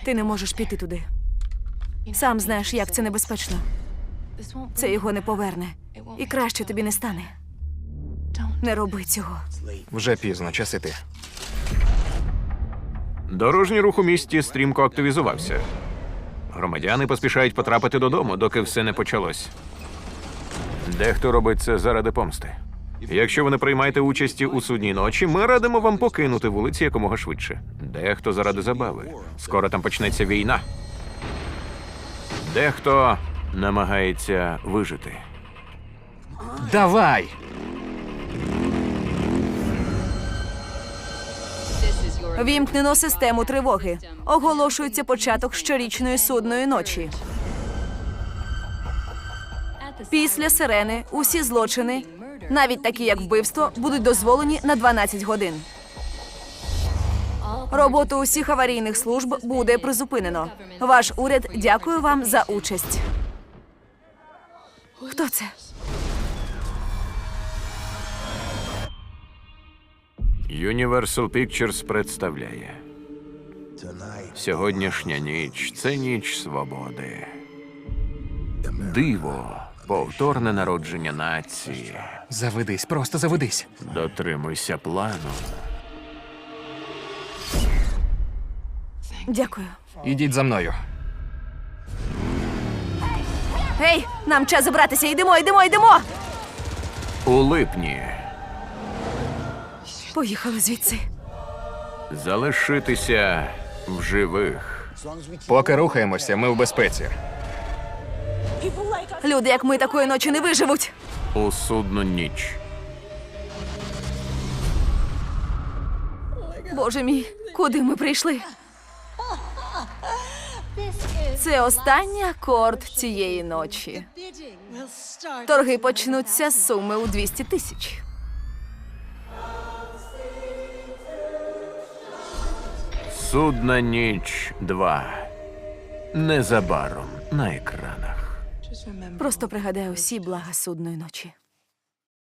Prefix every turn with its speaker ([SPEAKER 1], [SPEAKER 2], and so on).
[SPEAKER 1] Ти не можеш піти туди. Сам знаєш, як це небезпечно. Це його не поверне. І краще тобі не стане. Не роби цього.
[SPEAKER 2] Вже пізно, час іти.
[SPEAKER 3] Дорожній рух у місті стрімко активізувався. Громадяни поспішають потрапити додому, доки все не почалось. Дехто робить це заради помсти. Якщо ви не приймаєте участі у судній ночі, ми радимо вам покинути вулиці якомога швидше. Дехто заради забави. Скоро там почнеться війна. Дехто намагається вижити.
[SPEAKER 2] Давай!
[SPEAKER 1] Вімкнено систему тривоги. Оголошується початок щорічної судної ночі. Після сирени усі злочини, навіть такі як вбивство, будуть дозволені на 12 годин. Роботу усіх аварійних служб буде призупинено. Ваш уряд дякує вам за участь. Хто це?
[SPEAKER 3] Universal Pictures представляє. Сьогоднішня ніч – це ніч свободи. Диво – повторне народження нації.
[SPEAKER 2] Заведись, просто заведись.
[SPEAKER 3] Дотримуйся плану.
[SPEAKER 1] Дякую.
[SPEAKER 2] Ідіть за мною.
[SPEAKER 1] Гей, нам час забратися. Йдемо, йдемо, йдемо!
[SPEAKER 3] У липні
[SPEAKER 1] Поїхали звідси.
[SPEAKER 3] залишитися в живих.
[SPEAKER 2] Поки рухаємося, ми в безпеці.
[SPEAKER 1] Люди, як ми, такої ночі не виживуть.
[SPEAKER 3] У судну ніч.
[SPEAKER 1] Боже мій, куди ми прийшли? Це останній акорд цієї ночі. Торги почнуться з суми у 200 тисяч.
[SPEAKER 3] Судна ніч 2. Незабаром на екранах.
[SPEAKER 1] Просто пригадай усі блага судної ночі.